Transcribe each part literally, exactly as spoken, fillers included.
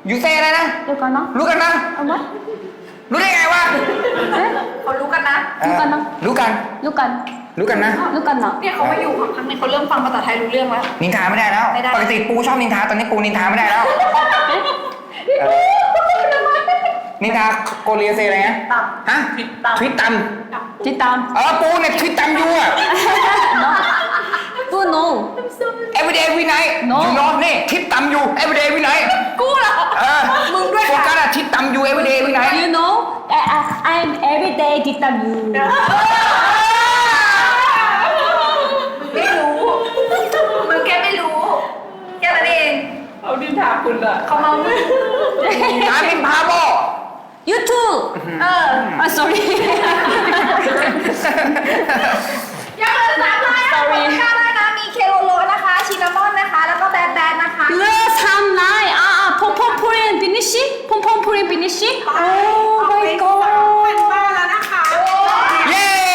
อยู่เซ่อะไรนะรู้กันนะรู้กันนะเอาไหมรู้ได้ไงวะเขารู้กันนะรู้กันนะรู้กันรู้กันรู้กันนะรู้กันนะเนี่ยเขามาอยู่พักนึงเขาเริ่มฟังภาษาไทยรู้เรื่องแล้วนินทาไม่ได้แล้วไม่ได้ปกติปูชอบนินทาตอนนี้ปูนินทาไม่ได้แล้วเออนินทาโกเลียเซอะไรนะฮะทวิตตำติดตามเออปูเนี่ยทวิตตำอยู่อะปู no everyday every night No อยู่นอนนี่ทิปตำอยู่ everyday every night กูเหรอเออมึงด้วยโฟกัสอะทิปตำอยู่ everyday every night you know I, I, I'm everyday ติดตาม you ไม่รู้มึงแค่ไม่รู้แค่นั้นเองเอาดินถามคุณอะเขาเมามึงการบินพาโบ you too เออ ah sorry ยังเหลือสามลายนะคนกล้าได้นะมีเคโลโลนะคะชินามอนนะคะแล้วก็แบดแบดนะคะเหลือสามลายอ่าพงพงพูรินฟินิชิพงพงพูรินฟินิชิ oh my เป็น god บ้านแล้วนะคะเย้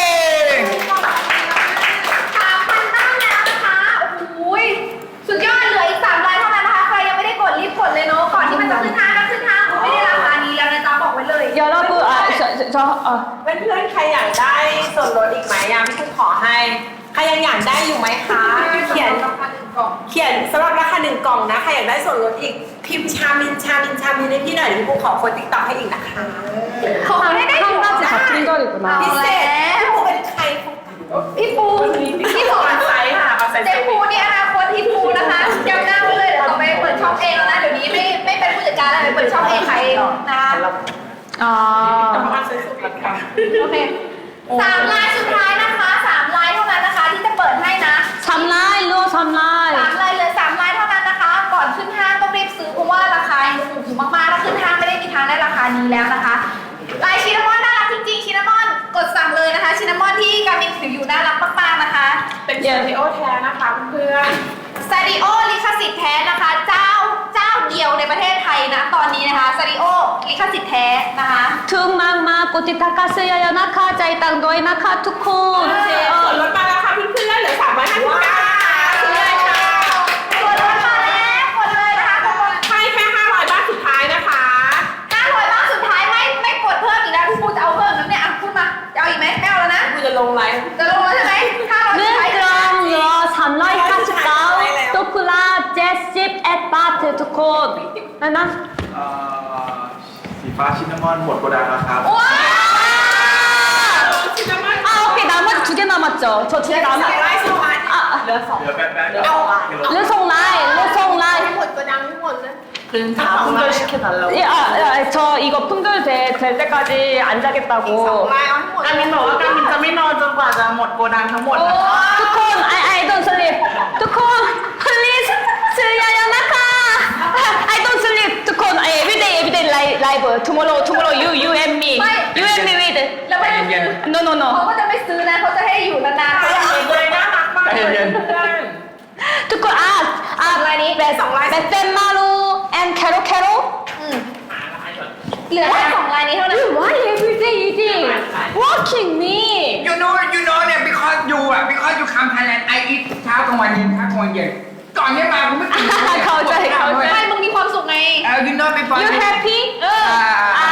สามพันบ้านแล้วนะคะโอ้โหสุดยอดเหลืออีกสามลายเท่านั้นนะคะใครยังไม่ได้กดรีบกดเลยเนาะก่อนที่มันจะขึ้นห้างก็ขึ้นห้างไม่ได้ราคานี้แล้วนะจ๊ะบอกไว้เลย 여러분 아 저 저 아 เพื่อนๆใครอยากได้ส่วนลดอีกไหมยามพี่คุณขอให้ ใครยังอยากได้อยู่ไหมคะ เขียนราคาหนึ่งกล่องเขียนสำหรับราคาหนึ่งกล่องนะใครอยากได้ส่วนลดอีกพิมพ์ชามินชามินชามินให้พี่หน่อยเดี๋ยวพี่ปูขอคนติ๊กต็อกให้อีกนะคะขอให้ได้ 한 가지 같은 거 있구나 พิเศษพี่ปูเป็นใครพี่ปูพี่สอนไซส์ค่ะเอาไซส์เจ๊ปูนี่อนาคตที่ปูนะคะจำหน้าไว้เลยเดี๋ยวต่อไปเปิดช่องเองแล้วนะเดี๋ยวนี้ไม่ไม่เป็นผู้จัดการแล้วเปิดช่องเองขายเองนะคะ 아 เอาไซส์สุดราคาโอเคสามลายสุดท้ายนะคะสามลายเท่านั้นนะคะที่จะเปิดให้นะ 삼 라이 루어 삼 สาม 라이 ลายเหลือสามลายเท่านั้นนะคะ ก่อนขึ้นห้างต้องรีบซื้อเพราะว่าราคายังถูกอยู่มากๆถ้าขึ้นห้างไม่ได้มีทางได้ราคานี้แล้วนะคะลายชินามอนน่ารักจริงๆชินามอนกดสั่งเลยนะคะชินามอนที่กามินถืออยู่น่ารักมากๆนะคะเป็นเซอร์ติโอแท้นะคะเพื่อนซาริโอลิขสิทธิ์แท้นะคะ เจ้าเจ้าเดียวในประเทศไทยนะตอนนี้นะคะซาริโอลิขสิทธิ์แท้นะคะ 퉁막막 꼬티 타카스여여 나카 자이땅 너이 나카 투콘 ส่วนลดมาแล้วค่ะเพื่อนๆเหลือสามร้อยห้าสิบเก้าซื้อเลยค่ะส่วนลดมาแล้วกดเลยนะคะกดให้แค่ห้าร้อยบาทสุดท้ายนะคะห้าร้อยบาทสุดท้ายไม่ไม่กดเพิ่มอีกแล้วพี่ปูจะเอาเพิ่มน้ำเนี่ยอ่ะพูดมาจะเอาอีกไหมไม่เอาแล้วนะกูจะลงไลฟ์จะลงแล้วใช่ไหมห้าร้อยสุดท้าย 네 그럼 루어 삼 라이 사십구 토플라 제십 앳바트 투콘 나나 เอ่อสีฟ้าชินนามอนหมดโกดังแล้วครับว้าวชินามอน 아 오케이 나머지 두 개 남았죠 저 두 개 สอง 남았 ร้อยสองร้อย 아 เหลือสองเหลือแป๊บแป๊บเอา 루송 라이 루송 라이 หมดกระดังทั้งหมดเลย 다 풍절시켜달라고 예, 아, 아, 저 이거 풍절될 될 때까지 안 สอง 자겠다고 ลายเอาให้หมดกามินบอกว่ากามินจะไม่นอนจนกว่าจะหมดโกดังทั้งหมดนะคะทุกคน I I don't sleep ทุกคน please ซื้อยายานะคะ I don't sleep ทุกคน everyday everyday live live tomorrow tomorrow you you and me ไม่ you and me with แล้วไม่เย็น no no no เขาก็จะไม่ซื้อนะเขาจะให้อยู่นานๆเขาอยากเห็นเลยน่ารักมากเลยเพื่อนทุกคนอ่ะอ่ะลายนี้เบสเบสเซนมารู and แคโรแคโรอืมเหลือแค่สองลายนี้เท่านั้น why everyday eating walking me you know you know เนี่ย because you อ่ะ because you come Thailand I eat เช้ากลางวันเย็นเช้ากลางวันเย็นก่อนเนี้ยมากูไม่กินเลยเข้าใจเข้าใจไม่มึงมีความสุขไงเออ you know before you happy เอออ่า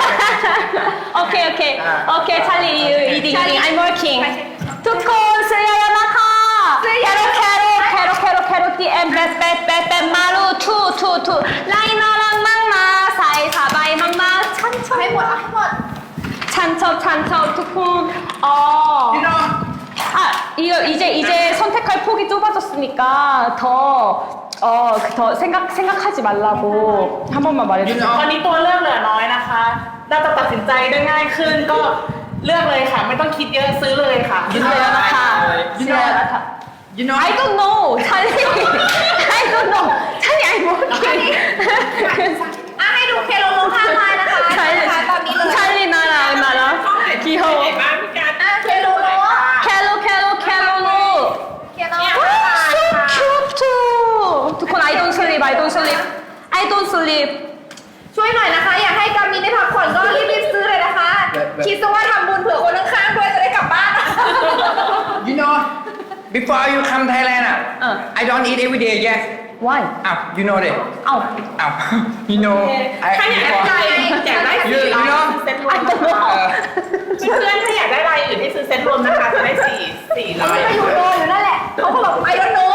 okay okay okay Charlie you eating eating I'm working ทุกคนซื้อยายานะคะแคโรแคโรแคโรแคโรแคโรตีแอนเบสเบสเบสเบสมารูทูทูทูไลน่ารักมากมาใส่สบายมากมาชันชอบให้หมดเอาให้หมดชันชอบชันชอบทุกคนอ๋อ you know 아, 이거 이제 이제 선택할 폭이 좁아졌으니까 더 어, 더 생각 생각하지 말라고 한 번만 말해주세요. ตอนนี้ตัวเลือกเหลือน้อยนะคะน่าจะตัดสินใจได้ง่ายขึ้นก็เลือกเลยค่ะ ไม่ต้องคิดเยอะซื้อเลยค่ะ 유나야 나타, 유나야 나타. you know I don't know, 찰리. I don't know, 찰리 I'm working. อ่ะให้ดูเคโลโลห้าลายนะคะนะคะตอนนี้เลย 찰리 나랑 나랑 เห็น 귀여워. บ้างพี่การอ่ะเคโลโล 캘로 캘로 캘로로. เคโล 와, so cute. 두콘 I don't sleep, I don't sleep, I don't sleep. ช่วยหน่อยนะคะ อยากให้กามินได้พักผ่อนก็รีบๆซื้อเลยนะคะ คิดซะว่าทำบุญเผื่อคนข้างๆด้วยจะได้กลับบ้าน you know before you come Thailand อ่ะเออ I don't eat every day yes Why? อ้าว you know ดิอ้าวอ้าว you know ถ้าอยากได้ลายอยากได้สีลายเซ็ตรวมนะคะ เพื่อนๆถ้าอยากได้ลายอื่นให้ซื้อเซ็ตรวมนะคะจะได้สี่สี่เขาลายไม่อยู่โนอยู่นั่นแหละเขาก็บอกไอรอนโน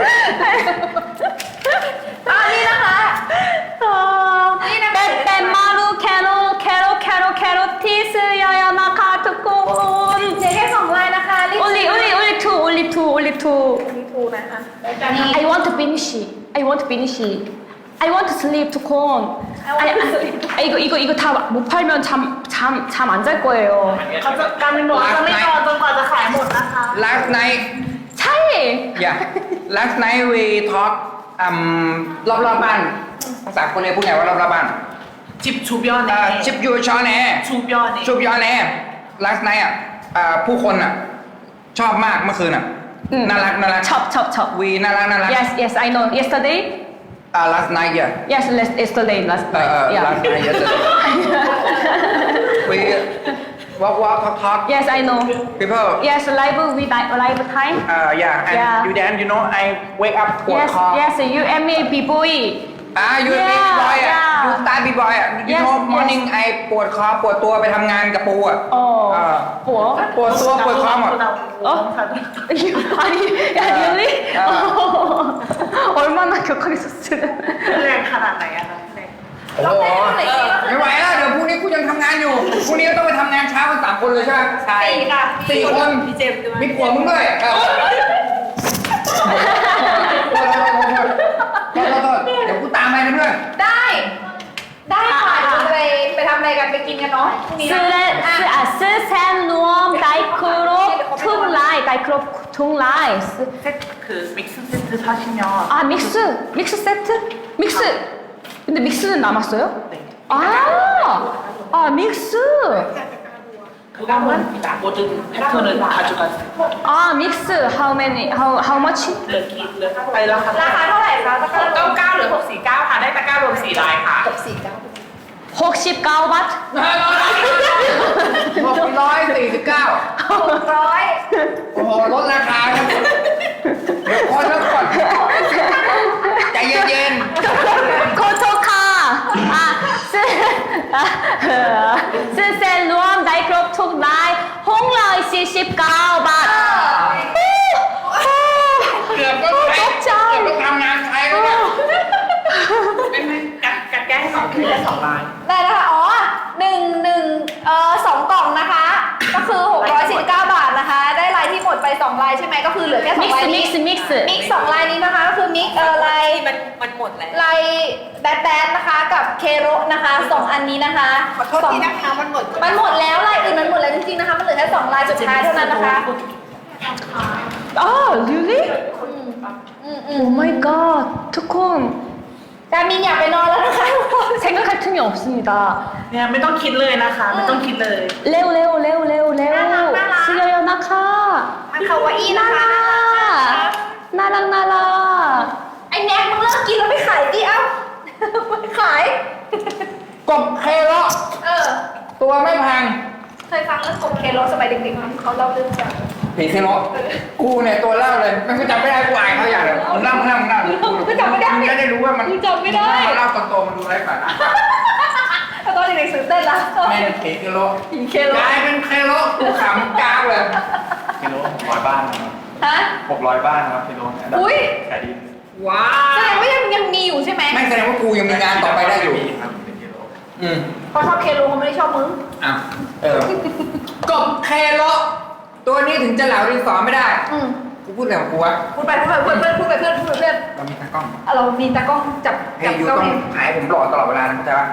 อันนี้นะคะ นี่นะเป๊ะเป๊ะมารูแคโรแคโรแคโรแคโรที่ซื้อยายานะคะทุกคนเหลือแค่สองลายนะคะรีบ only only only two only two only two มีทูนะคะนี่ I want to finish it. I want to finish it. I want to sleepทุกคน I want to sleep. 아, 이거 이거 이거 다 못 팔면 잠 잠 잠 안 잘 거예요. เขาจะการเป็นบอกจะไม่นอนจนกว่าจะขายหมดนะคะ last night 차이. yeah last night we talk อืมรอบรอบๆบ้านภาษาคนเลยพูดไงว่ารอบรอบๆบ้านจิบชูบยอนเอ่อเน่ชิปยูชอแน่ชูบยอนเน่ชุบยอแน่ last night อ่ะอ่าผู้คนอ่ะชอบมากเมื่อคืนอ่ะอืมน่ารักน่ารัก 첩 첩 첩. วีน่ารักน่ารัก Yes yes I know. Yesterday. อ่า last night yeah Yes last yesterday last เอ่อ night. เอ่อ Yeah. last night yesterday we walk walk talk talk Yes I know. people Yes live with live time. อ่า yeah and Yeah. you dance you know I wake up ปวด Yes คอ yes you and me b boy. อ่า you Yeah, big boy อ่ะ yeah. you start big boy อ่ะ you Yes, know yes. morning I ปวดคอปวดตัวไปทำงานกับปูอ่ะ 어. 뭐? ปวดตัวปวดคอหมด 어? 아니, 야, really? 아. 얼마나 격하게 썼으면. แรงขนาดไหนอะคะโอ้โหไม่ไหวแล้วเดี๋ยวพรุ่งนี้กูยังทำงานอยู่พรุ่งนี้ก็ต้องไปทำงานเช้ากันสามคนเลยใช่ไหมใช่สี่ค่ะสี่คนพี่เจมส์ด้วยมีผัวมึงด้วยเออโทษโทษโทษโทษโทษโทษเดี๋ยวกูตามไปนะเพื่อนได้ ได้ค่ะเดี๋ยวจะไปไปทำอะไรกันไปกินกันเนาะพรุ่งนี้นะ 스레, 스, 아, 스센 누엄 다이크로 퉁라이, 다이크로 퉁라이. 스- เซ็ตคือมิกซ์เซ็ตคือทาชิมยอน 아, 믹스, 믹스 세트? 믹스. 근데 믹스는 남았어요? 아, 아, 믹스. คือว่าเหมือนโบจึงแพทเทิร์นคาจูกัส 아, 믹스. How many? How how much? เหลือกี่เหลือไปราคาราคาเท่าไหร่คะราคาเก้าเก้าหรือหกสี่เก้าค่ะได้ตะกร้ารวมสี่ลายค่ะหกสี่เก้า 혹시 까오밭? หกร้อยสี่สิบเก้าหกร้อยโอ้โหลดราคาครับเดี๋ยวคนแล้วก่อนใจเย็น 코토카. 아, 스, 아, 스센 누엄 다이크로 퉁라이 홍라이 씨십가오밭. ๆเกือบก็ใช้เกือบก็ทำงานใช้แล้วเนี่ยกัดกัดแก้ให้สองคือได้สองลายได้นะคะอ๋อหนึ่งหนึ่งเอ่อสองกล่องนะคะ ก็คือหกร้อยสี่สิบเก้าบาทนะคะ ได้ลายที่หมดไปสองลายใช่ไหมก็คือเหลือแค่สองลาย 믹스 นี้ 믹스 믹스. มิกซ์สองลายนี้นะคะก็คือมิกเอ่อลายมันมันหมดแล้วลายแบดแบดนะคะกับเคโรนะคะสองอันนี้นะคะขอโทษทีนะคะมันหมดมันหมดแล้วลายอื่นมันหมดแล้วจริงๆนะคะมันเหลือแค่สองลายสุดท้ายเท่านั้นนะคะ 아, really? อืมอืม 오 마이 갓. 투콘. การมินอยากไปนอนแล้วนะคะทุกคน 생각할 틈이 없습니다. เนี่ยไม่ต้องคิดเลยนะคะ ไม่ต้องคิดเลย 레오 레오 레오 레오 레오. 나랑, 나랑. 수여요 나카. มันคาวาอี้นะคะ 나랑 나랑. ไอ้แน็กมึงเลิกกินแล้วไปขายดิเอ้าไปขายกบเคโลเออตัวไม่แพงเคยฟังเรื่องกบเคโรสมัยเด็กๆมั้ยเขาเล่าเรื่องกันผีเคโลกูเนี่ยตัวเล่าเลยไม่จำไม่ได้กูอายเขาอย่างเลยมึงเล่ามึงเล่ามึงเล่ากูจำไม่ได้มึงจะได้รู้ว่ามันกูจำไม่ได้เล่าตอนโตมันดูไร้สาระแล้วตอนเด็กๆตื่นเต้นละแม่งผีเคโลผีเคโรกลายเป็นเคโลกูขำจ้าเลยกิโลหกร้อยบ้านนะครับฮะหกร้อยบ้านนะครับกิโลเนี่ยอุ๊ยขายดีว้าแสดงว่ายังยังมีอยู่ใช่ไหมไม่แสดงว่ากูยังมีงานต่อไปได้อยู่มีครับเป็นกิโลอืมเขาชอบเคโรเขาไม่ได้ชอบมึงอ่ะเออ กบเคโลตัวนี้ถึงจะเหลาดินสอไม่ได้อืมกูพูดอะไรของกูวะพูดไปพูดไปเพื่อนเพื่อนพูดไปเพื่อนพูดไปเพื่อนเรามีตากล้องอ่ะเรามีตากล้องจับให้จับยูกล้องต้องเองหายผมหล่อตลอดเวลานะเข้าใจปะ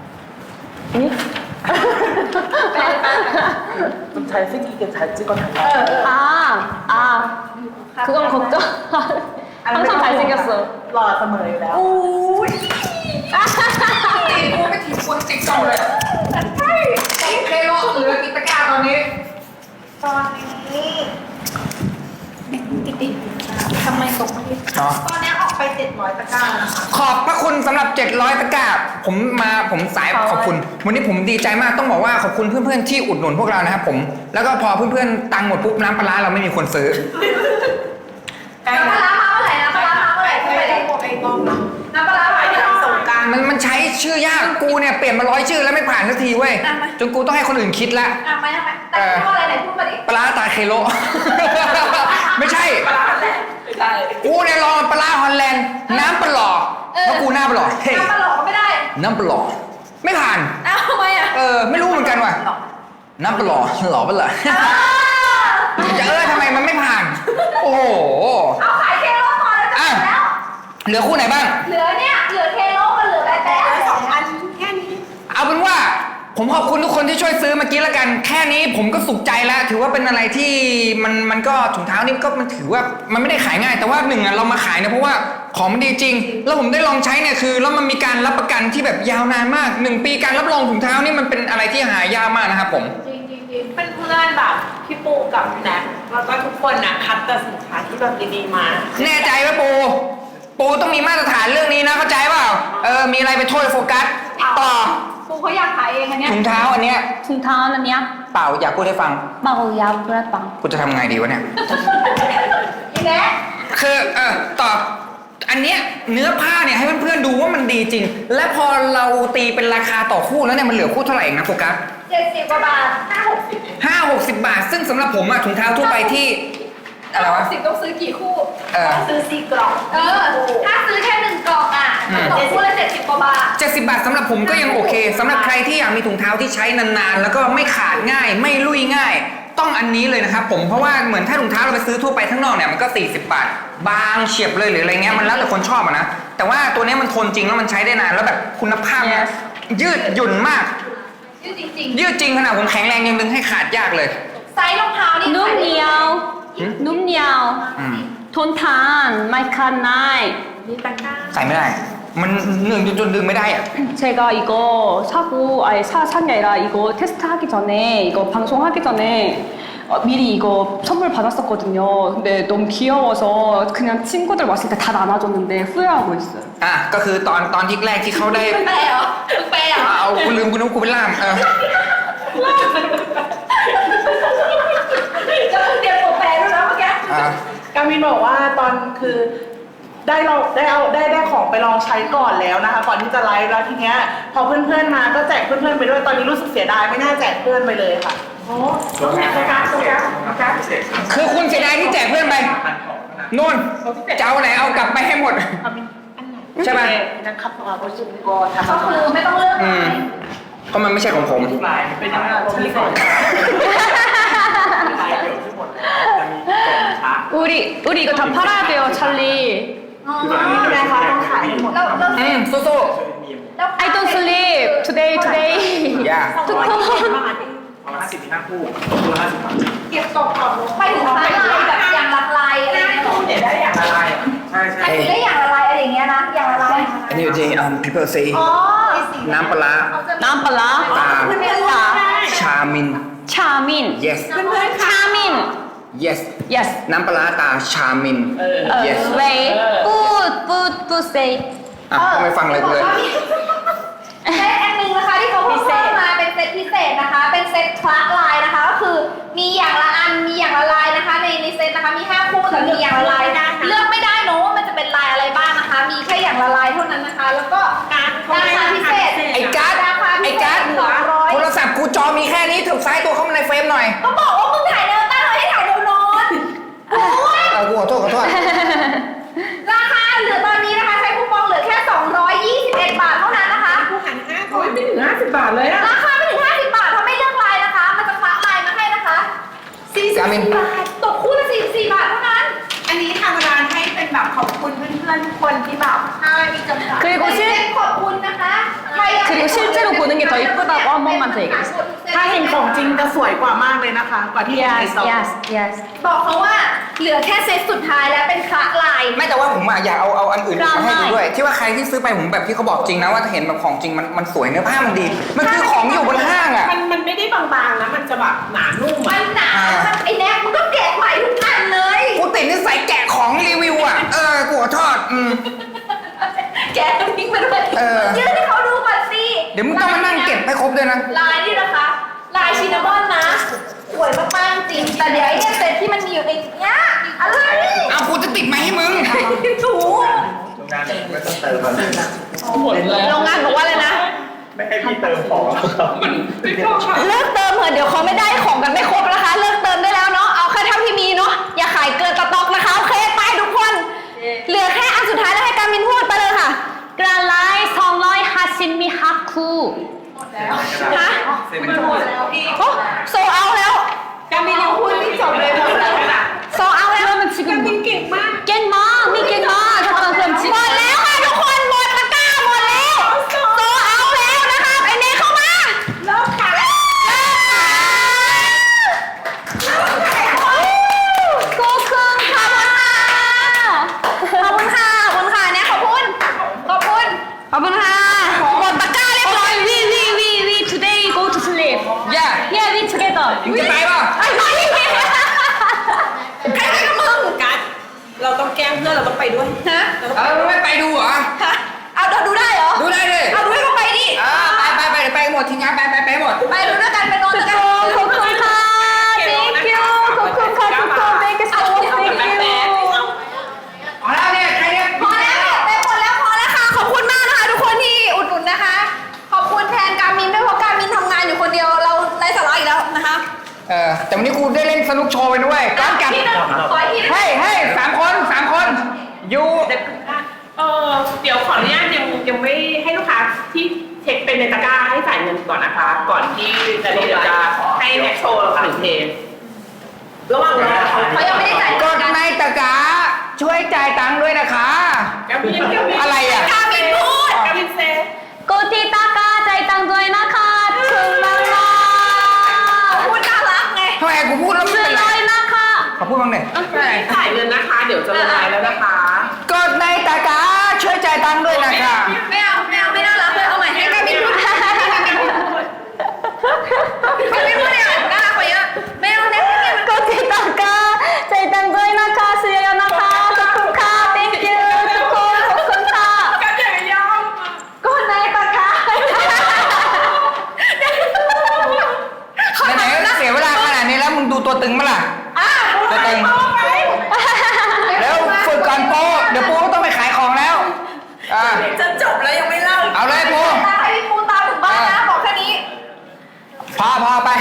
좀 잘생기게 잘 찍어달라. เออเออ 아, 아. 그건 걱정. 항상 잘생겼어. หล่อเสมออยู่แล้วอุ้ยตีกูไม่ถีบกูติ๊กกล้องเลยใช่กบเคโลเหลือกี่ตะกร้าตอนนี้ตอนนี้ติดติดทำไมตกไม่ได้เนาะตอนนี้ออกไปเจ็ดร้อยตะกร้าแล้วนะคะขอบพระคุณสำหรับเจ็ดร้อยตะกร้า ผมมาผมสายขอบคุณ วันนี้ผมดีใจมากต้องบอกว่าขอบคุณเพื่อนๆที่อุดหนุนพวกเรานะครับผม แล้วก็พอเพื่อนๆตังค์หมดปุ๊บน้ำปลาร้าเราไม่มีคนซื้อแล้วพารามาเมื่อไหร่นะพารามาเมื่อไหร่ที่ไปได้หมดไอ้น้องมันมันใช้ชื่อยากกูเนี่ยเปลี่ยนมาร้อยชื่อแล้วไม่ผ่านสักทีเว้ยจนกูต้องให้คนอื่นคิดละอ่ะไม่ไม่แต่พูดอะไรไหนพูดมาดิปลาร้าตาเคโล ไม่ใช่ปลาร้าแหละไม่ได้กูเนี่ยลองปลาร้าฮอลแลนด์น้ำปลาหล่อเพราะกูหน้าปลาหล่อเฮ้ยน้ำปลาหลอกก็ไม่ได้น้ำปลาหล่อไม่ผ่านอ้าวทำไมอ่ะเออไม่รู้เหมือนกันว่ะน้ำปลาหล่อหล่อปะล่ะ จะเออทำไมมันไม่ผ่าน โอ้โหเอาขายเคโลพอแล้วจะหมดแล้วเหลือคู่ไหนบ้างเหลือเนี่ยเหลือเคโลกับเหลือแบ๊ะแบ๊ะสองอันแค่นี้เอาเป็นว่าผมขอบคุณทุกคนที่ช่วยซื้อเมื่อกี้ละกัน แค่นี้ผมก็สุขใจแล้ว ถือว่าเป็นอะไรที่มันมันก็ถุงเท้านี่ก็มันถือว่ามันไม่ได้ขายง่าย แต่ว่าหนึ่งอ่ะเรามาขายเนี่ยเพราะว่าของมันดีจริง แล้วผมได้ลองใช้เนี่ยคือแล้วมันมีการรับประกันที่แบบยาวนานมากหนึ่งปีการรับรองถุงเท้านี่มันเป็นอะไรที่หายากมากนะครับผมจริงจริงจริงเพื่อนๆแบบพี่ปูกับแน็กแล้วก็ทุกคนนะคัดแต่สินค้าที่แบบดีๆมาแน่ใจไหมปู ปูต้องมีมาตรฐานเรื่องนี้นะเข้าใจเปล่า เออ มีอะไรไปโทษโฟกัส ต่อครูเขาอยากขายเองอันเนี้ยถุงเท้าอันเนี้ย 퉁타는 야 เปล่าอยากพูดให้ฟัง 마고야 브라빵 กูจะทำไงดีวะเนี่ยอีแบ๊ะคือเออต่อ อันเนี้ยเนื้อผ้าเนี่ยให้เพื่อนๆดูว่ามันดีจริง และพอเราตีเป็นราคาต่อคู่แล้วเนี่ยมันเหลือคู่เท่าไหร่เองนะโฟกัสเจ็ดสิบกว่าบาทห้าหกสิบห้าหกสิบบาท ซึ่งสำหรับผมอะถุงเท้าทั่วไปที่อะไรวะสิบต้องซื้อกี่คู่เออซื้อสี่กล่องเออ ถ้าซื้อแค่หนึ่งกล่องอ่ะอืมตกคู่ละเจ็ดสิบกว่าบาทเจ็ดสิบบาทสำหรับผมก็ยังโอเคสำหรับใครที่อยากมีถุงเท้าที่ใช้นานๆ แล้วก็ไม่ขาดง่าย ไม่ลุยง่าย ต้องอันนี้เลยนะครับผมเพราะว่าเหมือนถ้าถุงเท้าเราไปซื้อทั่วไปข้างนอกเนี่ยมันก็สี่สิบบาท บางเฉียบเลยหรืออะไรเงี้ยมันแล้วแต่คนชอบอะนะแต่ว่าตัวเนี้ยมันทนจริงแล้วมันใช้ได้นานแล้วแบบคุณภาพเนี่ย Yes ยืดหยุ่นมากยืดจริงยืดจริงขนาดผมแข็งแรงยังดึงให้ขาดยากเลยๆ ไซส์รองเท้านี่ 눔니ao 눔니ao อืม 톤탄 마이카 나이 มีตะกร้าใส่ไม่ได้ มันหนึ่งจนจนดึงไม่ได้อะ 제가 이거 사고 아니 사, 산 게 아니라 이거 테스트 하기 전에 이거 방송 하기 전에 어, 미리 이거 선물 받았었거든요. 근데 너무 귀여워서 그냥 친구들 왔을 때 다 나눠줬는데 후회하고 있어요. อ่ะก็คือตอนตอนที่แรกที่เขาได้แปลเหรอแปลเหรอเอากูลืมกูนึกว่ากูเป็นล่ามเออจะเตรียมตัวแปลด้วยนะเมื่อกี้อ่ะกามินบอกว่าตอนคือได้ลองได้เอาได้ได้ของไปลองใช้ก่อนแล้วนะคะ ก่อนที่จะไลฟ์แล้วทีเนี้ยพอเพื่อนๆมาก็แจกเพื่อนๆไปด้วยตอนนี้รู้สึกเสียดายไม่น่าแจกเพื่อนไปเลยค่ะโอ้ต้องแจกโฟกัสโฟกัสโฟกัสคือคุณเสียดายที่แจกเพื่อนไปนู่นจะเอาไหนเอากลับไปให้หมด ใช่ไหมนะครับเอาไปสุ่มก่อนก็คือไม่ต้องเลือกอืลาม ยเพราะมันไม่ใช่ของผมลายเป็นยังไงชิ้นก่อนลายเดียวที่หมดจะมีกล่องช้า 우리 우리 이거 다 팔아야 돼요, 찰리. อ๋อคือแบบนี้นะคะต้องขายให้หมดแล้วแล้วอืมสู้ช่วยมีมแล้ว I don't sleep today, today. ๆอย่าทุกคนประมาณห้าสิบถึงห้าคู่คู่ละห้าสิบบาทเก็บกล่องก่อนลงไปถึงท้ายลายแบบอย่างละลายอะไรเงี้ยเดี๋ยวได้อย่างละลายอ่ะใช่ใช่แต่คือได้อย่างละลายอะไรอย่างเงี้ยนะ อย่างละลายอันนี้จริงๆ um people say อ๋อน้ำปลาร้า 남발라. ตา 자, ชามิน 차민. yes 차민. yes Yes. น้ำปลาร้าตาชามิน Uh, yes wait. Put, put, put say. อ่ะก็ไม่ฟังเลยกูเลยเซตอันหนึงนะคะที่เขาเพิ่มเข้ามาเป็นเซตพิเศษนะคะ เป็นเซตคละลายนะคะ ก็คือมีอย่างละอัน มีอย่างละลายนะคะ ในในเซตนะคะ มีห้าคู่แต่มีอย่างละลายเลือกไม่ได้เนอะว่ามันจะเป็นลายอะไรบ้างนะคะ มีแค่อย่างละลายเท่านั้นนะคะ แล้วก็ราคาพิเศษไอ้การ์ดราคาพิไอ้เศการ์ษดสองร้อยโทรศัพท์กูจอมีแค่นี้ถูกซ้ายตัวเข้ามาในเฟรมหน่อยก็บอกว่ามึงถ่ายแนวตั้งเลยให้ถ่ายแนวนอนโอ้ยเออกูขอโทษขอโทษราคาเหลือตอนนี้นะคะ ใช้คูปองเหลือแค่สองร้อยยี่สิบเอ็ดบาทเท่านั้นนะคะผู้หันห้าร้อยไม่ถึงห้าสิบบาทเลยอะราคาไม่ถึงห้าสิบบาทถ้าไม่เลือกลายนะคะ มันจะคละลายมาให้นะคะสี่สิบกามินบาทตกคู่ละสี่สิบสี่บาทเท่านั้นอันนี้ทำร้านให้เป็นแบบขอบคุณเพื่อนๆทุกคนที่แบบใช่มีจำกัด 그리고 เป็นเซ็ 실 ตขอบคุณนะคะใครอยาก 그리고 실제로 보는 게 더 이쁘다고 한 번만 더 얘기해 주세요. ถ้าเห็นของจริงจะสวยกว่ามากเลยนะคะ กว่าที่เห็นใน Yes, ซอง yes, yes. บอกเขาว่าเหลือแค่เซตสุดท้ายแล้วเป็นคละลายไม่แต่ว่าผมอะอยากเอาเอาอันอื่นกล้ามาให้ดูให้ด้วย ที่ว่าใครที่ซื้อไปผมแบบที่เขาบอกจริงนะว่าถ้าเห็นแบบของจริงมันมันสวยเนื้อผ้ามันดี มันคือของอยู่บนห้างอ่ะมันมันไม่ได้บางๆนะ มันจะแบบหนานุ่มมัอะนหนาอ่ามันไอ้แน็กมันก็แกะใหม่ทุกอันเลยกูติดนิสัยแกะของรีวิวอ่ะ เออ กูขอโทษอืมแกะน้ำพริกไปด้วยเออยื่นให้เขาดูก่อนสิเดี๋ยวมึงต้องมานั่งเก็บให้ครบด้วยนะลายนี่นะคะ ลายชินนามอนนะสวยมากๆจริง แต่เดี๋ยวไอ้เนี่ยเซตที่มันมีอยู่ในเนี้ยอะไรเอากูจะติดไหมให้มึงถูงงานไม่ต้องเติมมันโรงงานบอกว่าอะไรนะไม่ให้พี่เติมของมันไม่เข้าฉากเลิกเติมเถอะเดี๋ยวเขาไม่ได้ของกันไม่ครบนะคะ เลิกเติมได้แล้วเนาะเอาแค่เท่าที่มีเนาะอย่าขายเกินสต็อกนะคะโอเคไปทุกคน เหลือแค่อันสุดท้ายแล้วให้การมินพูดไปเลยค่ะกราไลสองร้อยห้าสิบมิฮักคูฮะเซ็นหมดแล้วพี่โอ้โซเอาแล้วการมินยังพูดไม่จบเลยหมดแล้วค่ะโซเอาแล้วมัน지금 การมินเก่งมากเก่งมากมีเก่งมากทุกคนหมดแล้วค่ะทุกคนหมดตะกร้าหมดแล้วโซเอาแล้วนะคะไอเนเข้ามาเลิกค่ะเลิกขอบคุณค่ะขอบคุณค่ะขอบคุณค่ะเนี่ยขอบคุณขอบคุณขอบคุณค่ะหมดตะกร้าเรียบร้อย we we we we today go to sleep yeah yeah we together มึงจะไปป่ะไอ้ไม่ใครไปกับมึงการเราต้องแกล้งเพื่อนเราต้องไปด้วยฮะเออไม่ไปดูเหรอฮะเอาดูได้เหรอดูได้ดิเอาดูให้เขาไปดิอ่าไปไปไปเดี๋ยวไปหมดทีมงานไปไปไปหมดไปดูด้วยกันไปนอนด้วยกันขอบคุณค่ะ thank you ขอบคุณค่ะทุกคน thank you so much thank you อ๋อแล้วเนี่ยใครเนี่ยพอแล้วไปหมดแล้วพอแล้วค่ะขอบคุณมากนะคะทุกคนที่อุดหนุนนะคะ ขอบคุณแทนการมินด้วยเพราะการมินทำงานอยู่คนเดียวเราไร้สาระอีกแล้วนะคะเออแต่วันนี้กูได้เล่นสนุกโชว์ไปด้วยก้อนกัดที่หนึ่งขออีกทีหนึ่งเฮ้ยเฮ้ยสามคนสามคนอยู่เออเดี๋ยวขออนุญาตยังยังไม่ให้ลูกค้าที่เช็คเป็นในตะกร้าให้จ่ายเงินก่อนนะคะ ก่อนที่จะเดี๋ยวจะให้แม็กโชว์หนึ่งเพลงระหว่างรอเขาเขายังไม่ได้จ่ายกดในตะกร้าช่วยจ่ายตังค์ด้วยนะคะกามินกามินอะไรอ่ะการมินพูดกามินเซกดที่ตะกร้าจ่ายตังค์ด้วยนะคะถึงมากมากพูดน่ารักไงทำไมกูพูดแล้วไม่ซื้อเป็นเลไรยนะคะขอพูดบ้างหน่อยจ่ายเงินนะคะ เดี๋ยวจะลงไลน์แล้วนะคะกดในตะกร้าช่วยจ่ายตังค์ด้วยนะคะไม่เอาไม่เอาไม่น่ารักเลยเอาใหม่ให้การมินพูดให้การมินพูดการมินพูดเนี่ยน่ารักกว่าเยอะไม่เอาเนี่ยกดที่ตะกร้าจ่ายตังค์ด้วยนะคะซื้อเยอะนะคะขอบคุณค่ะ thank you ทุกคนขอบคุณค่ะก็อย่ายอมกดในตะกร้าไหนๆก็เสียเวลาขนาดนี้แล้วมึงดูตัวตึงมั้ยล่ะอ่ะตัวตึงแล้วฝึกก่อนโปเดี๋ยวโปก็ต้องไปขายของแล้วอ่าจะจบแล้วยังไม่เล่าเอาเลยโปตามให้พี่ปูตามถึงบ้านนะบอกแค่นี้พอพอไป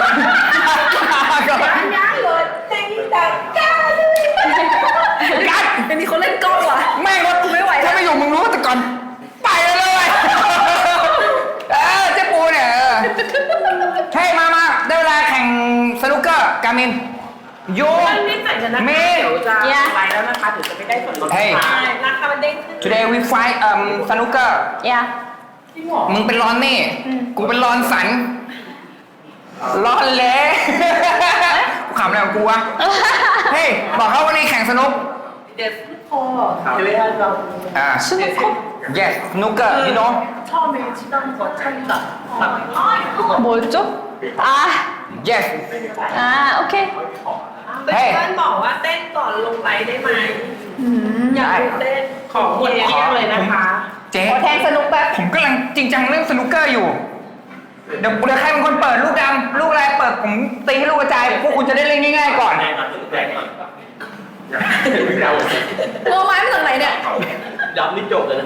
ยังเลยเต็งแต่ก้าเลยกัดไม่มีคนเล่นกล้องว่ะแม่งรถกูไม่ไหวถ้าไม่อยู่มึงรู้แต่ก่อนไปเลยเลยเออเจ๊ปูเนี่ยเออเฮ้ยมามาได้เวลาแข่งสนุกเกอร์กามินโยมันไม่จ่ายเงินนะคะเมเดี๋ยวจะไลน์แล้วนะคะเดี๋ยวจะไม่ได้ส่วนลดเฮ้ยราคามันเด้งขึ้น today we fight um สนุกเกอร์อย่าจริงเหรอมึงเป็นรอนนี่ กูเป็นรอนสันรอนเละกูขำอะไรของกูวะ เฮ้ย บอกเขาวันนี้แข่งสนุกเด็ดพอเดี๋ยวให้เราอ่า yes สนุกเกอร์ you know 처음에 지나는 거 차이가 뭐였죠? 아, yes 아, 오케이. เพื่อนบอกว่าเต้นก่อนลงไลฟ์ได้ไหมอยากดูเต้นของหมดเที่ยงเลยนะคะเจ๊ขอแทงสนุกแป๊บผมกำลังจริงจังเรื่องสนุกเกอร์อยู่ เดี๋ยวเดี๋ยวใครเป็นคนเปิดลูกดำลูกอะไรเปิดผมตีให้ลูกกระจายพวกคุณจะได้เล่นง่ายๆก่อนแดงก่อนแดงก่อนไม่เอาตัวไม้มาจากไหนเนี่ยย้ำนี่จบเลยนะ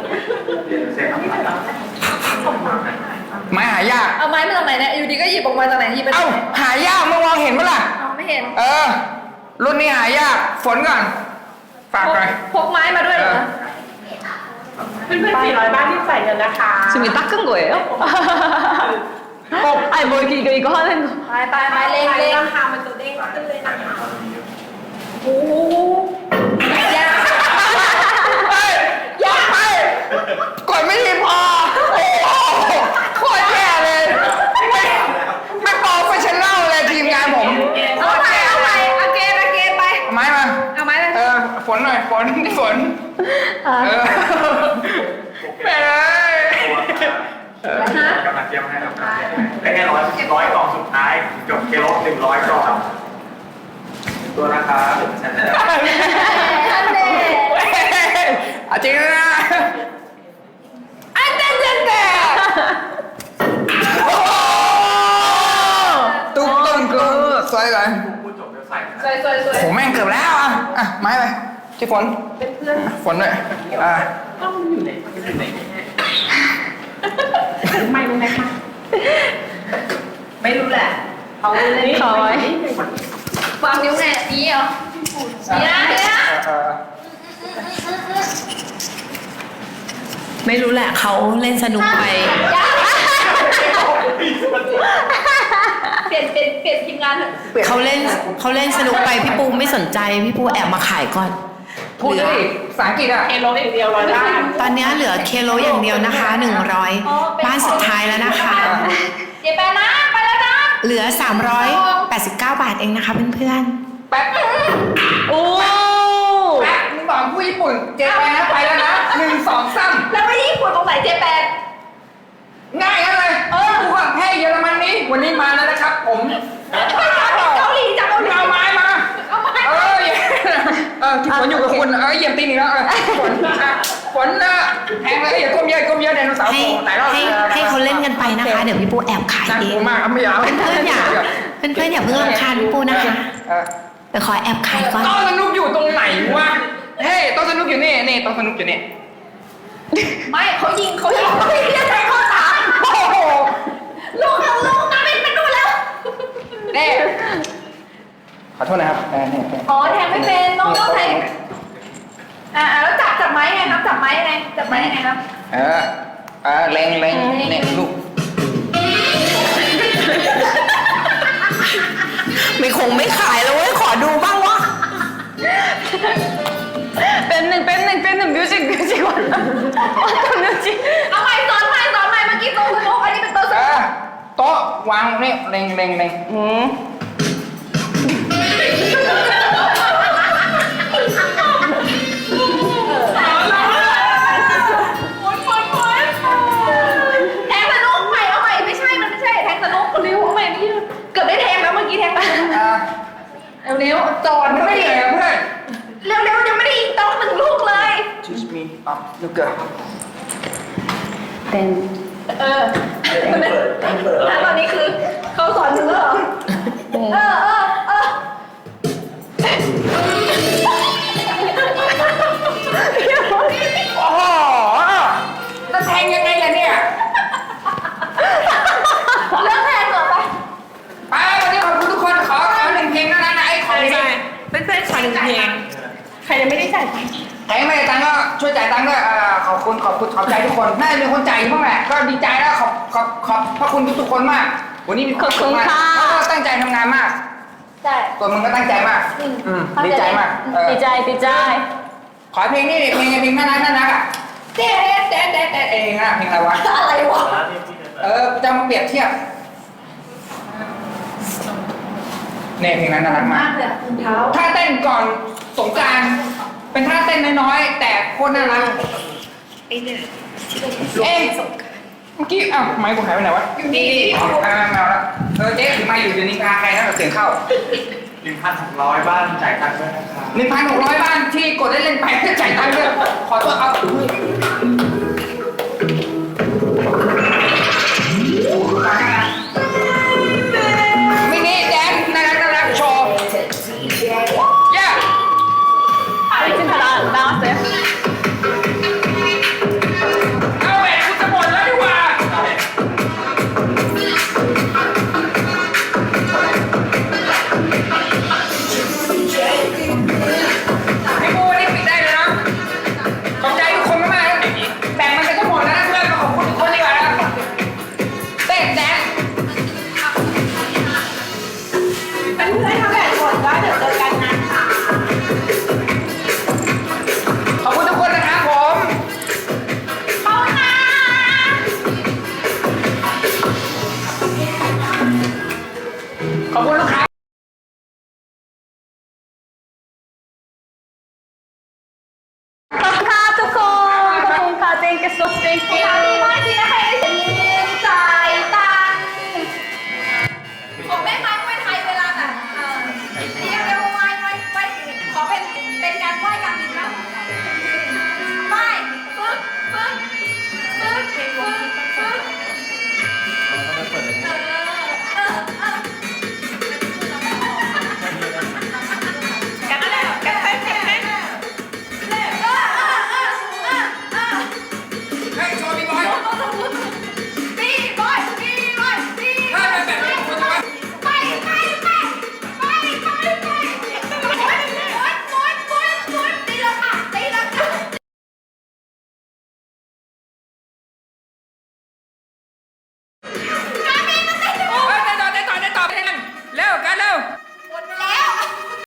ไม้หายากเอาไม้มาจากไหนเนี่ย อยู่ดีก็หยิบออกมาจากไหนหยิบไปเอ้าหายากมึงมองเห็นปะล่ะเอาไม่เห็นเออ รุ่นนี้หายาก ฝนก่อน ฝากพกไปพกไม้มาด้วยเหรอเพื่อนๆสี่ร้อยบ้านที่ใส่เงินนะคะ 지금 닦은 거예요? 아니 뭐 이렇게 이거 이거 하는 거. ไปไปไม้เล็งเล็งราคามันจะเด้งขึ้นเลยนะคะโอ้โหยากเฮ้ยยากไปกดไม่ดีพอ โอ้โหโคตรแย่เลย ไม่ไม่โปรเฟชชั่นแนลเลยทีมงานผมเอาไปเอาไปอาเกนอาเกนไปเอาไม้มาเอาไม้ไปเออ ฝนหน่อย ฝนฝน เออแม่เลยกำลังเตรียมให้ครับได้แค่ร้อยร้อยกล่องสุดท้ายจบเคโลหนึ่งร้อยกล่องตัวราคาหนึ่งแสนอันเดเอาจริงนะอันเดนเดนเดโอ้ตุ้มตุ้มตุ้มสวยเลยพูดจบแล้วใส่สวยสวยสวยโหแม่งเกือบแล้วอ่ะ อ่ะ ไม้ไปที่ฝนเป็นเพื่อนฝนด้วยอ่าต้องมันอยู่ไหนมันอยู่ไหนแน่ไม่รู้ไหมคะไม่รู้แหละเขาเล่นคอยวางนิ้วไงนี้เหรอนี่นะนี่นะเออไม่รู้แหละเขาเล่นสนุกไปเปลี่ยนเปลี่ยนเปลี่ยนทีมงานเถอะเขาเล่นเขาเล่นสนุกไปพี่ปูไม่สนใจพี่ปูแอบมาขายก่อนพูดดิภาษาอังกฤษอ่ะเอโลอย่างเดียวร้อยล้านตอนนี้เหลือเคโลอย่างเดียวนะคะหนึ่งร้อยบ้านสุดท้ายแล้วนะคะเจ๊แปนนะไปแล้วนะเหลือสามร้อยแปดสิบเก้าบาทเองนะคะเพื่อนแป๊บโอ้แป๊บมึงบอกผู้ญี่ปุ่นเจไปนะไปแล้วนะหนึ่งสองสามแล้วไปญี่ปุ่นตรงไหนเจ๊แปนง่ายกันเลยเออกูว่าแพ้เยอรมันนี้วันนี้มาแล้วนะครับ ผมไปเกาหลีจากเกาหลีเอาไม้มาเอามาเออเออที่ฝนอยู่กับคุณเออเหยียบตีนอีกแล้วเออฝนอ่ะฝนนะแพงเลยอย่าก้มเยอะก้มเยอะไดโนเสาร์ๆให้โผล่หลายรอบให้ให้เขาเล่นกันไปนะคะ เดี๋ยวพี่ปูแอบขายน่าเอกลังวมากอ่ะไม่อยากเพื่อนๆอย่าเพื่อนๆอย่าเพิ่งรำคาญพี่ปูนะคะเออเดี๋ยวขอแอบขายก่อนโต๊ะสนุกอยู่ตรงไหนวะเฮ้ยโต๊ะสนุกอยู่นี่นี่โต๊ะสนุกอยู่นี่ไม่เขายิงเขายิงเขายิงจะใส่ข้อสามโอ้โหลูกเขาลูกน้ำเป็นไปนู่นแล้วนี่ขอโทษนะครับเออนี่อ๋อแทงไม่เป็นน้องต้องแทงอ่าแล้วจับจับไม้ยังไงครับจับไม้ยังไงจับไม้ยังไงครับเออเออเล็งเล็งนี่ลูกไม่คงไม่ขายแล้วเว้ยขอดูบ้างวะเป็นหนึ่งเป็นหนึ่งเป็นหนึ่งมิวสิกมิวสิกวันมิวสิกเอาใหม่สอนใหม่สอนใหม่เมื่อกี้โต๊ะสนุกอันนี้เป็นโต๊ะสเอนุอก โต๊ะวางนี่เล็งเล็งเล็งอืมแทงสนุกใหม่เอาใหม่ไม่ใช่มันไม่ใช่แทงสนุกเร็วเอาใหม่ไม่เกือบได้แทงแล้วเมื่อกี้แทงไปเออเร็วๆจอดมันไม่เหนื่อยอะเพื่อนเร็วๆยังไม่ได้ยิงโต๊ะหนึ่งลูกเลย Excuse me อ่ะลูกเกิดเป็นเออแล้วตอนนี้คือเขาสอนถึงแล้วเหรอเออเออเออโอ้โหแล้วแทงยังไงล่ะเนี่ยเรื่องแทงเหรอไปไปวันนี้ขอบคุณทุกคนขอขอหนึ่งเพลงเท่านั้นนะไอ้ของนี้เพื่อนๆขอหนึ่งเพลงใครยังไม่ได้จ่ายตังค์ใครไม่ได้ตังค์ก็ช่วยจ่ายตังค์ด้วยเอ่อขอบคุณขอบคุณขอบใจทุกคนน่าจะมีคนจ่ายอยู่บ้างแหละก็ดีใจแล้วขอบขอบขอบพระคุณทุกๆคนมาก วันนี้มีความสุขมากแล้วก็ตั้งใจทำงานมากใช่ตัวมึงก็ตั้งใจมากอืมดีใจมากเออดีใจดีใจขอเพลงนี้ดิเพลงเพลงน่ารักน่ารักอ่ะเต๊ะเต๊ะเต๊ะเต๊ะเองอ่ะเพลงอะไรวะอะไรวะเออจะมาเปรียบเทียบเนี่ยเพลงนั้นน่ารักมามาก กเลยรองเท้าท่าเต้นก่อนสงกรานต์เป็นท่าเต้นน้อยๆแต่โคตรน่ารักเอ๊ะเมื่อกี้อ้าวไมค์กูหายไปไหนวะนี่อ่าแมวละเออเจ๊ถือไมค์อยู่เดี๋ยวนี้พาใครนะเดี๋ยวเสียงเข้าหนึ่งพันหกร้อยบ้านจ่ายตังค์ด้วยนะครับหนึ่งพันหกร้อยบ้านที่กดได้เล่นไปจ่ายตังค์ด้วยขอโทษเอา